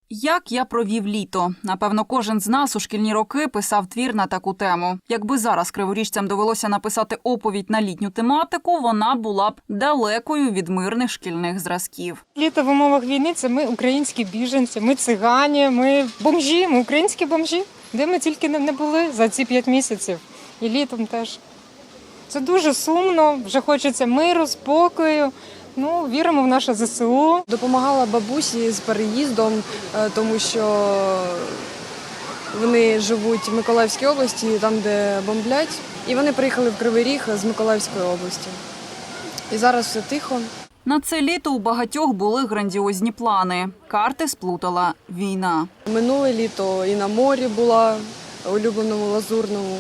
Як я провів літо? Напевно, кожен з нас у шкільні роки писав твір на таку тему. Якби зараз криворіжцям довелося написати оповідь на літню тематику, вона була б далекою від мирних шкільних зразків. Літо в умовах війни – це ми українські біженці, ми цигані, ми бомжі, ми українські бомжі. Де ми тільки не були за ці 5 місяців. І літом теж. Це дуже сумно, вже хочеться миру, спокою. Віримо в наше ЗСУ. Допомагала бабусі з переїздом, тому що вони живуть в Миколаївській області, там, де бомблять. І вони приїхали в Кривий Ріг з Миколаївської області. І зараз все тихо. На це літо у багатьох були грандіозні плани. Карти сплутала війна. Минуле літо і на морі була, улюбленому Лазурному.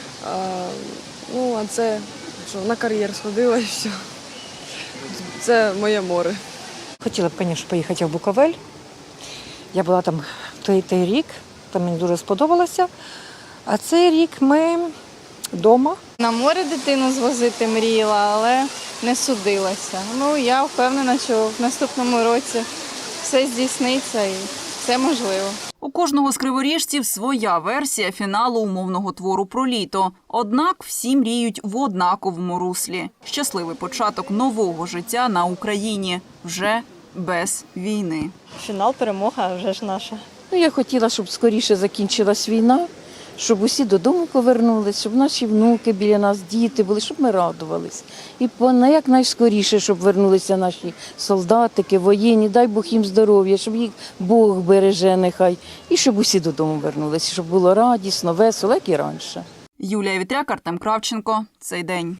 А це, що, на кар'єр сходила і все. Це моє море. Хотіла б, звісно, поїхати в Буковель. Я була там той рік, там мені дуже сподобалося. А цей рік ми вдома. На море дитину звозити мріяла, але не судилася. Я впевнена, що в наступному році все здійсниться і все можливо. У кожного з криворіжців своя версія фіналу умовного твору про літо. Однак всі мріють в однаковому руслі. Щасливий початок нового життя на Україні. Вже без війни. Фінал, перемога вже ж наша. Я хотіла, щоб скоріше закінчилась війна, щоб усі додому повернулись, щоб наші внуки біля нас, діти були, щоб ми радувались. І якнайскоріше, щоб вернулися наші солдатики, воєнні, дай Бог їм здоров'я, щоб їх Бог береже нехай. І щоб усі додому вернулися, щоб було радісно, весело, як і раніше. Юлія Вітряк, Артем Кравченко. Цей день.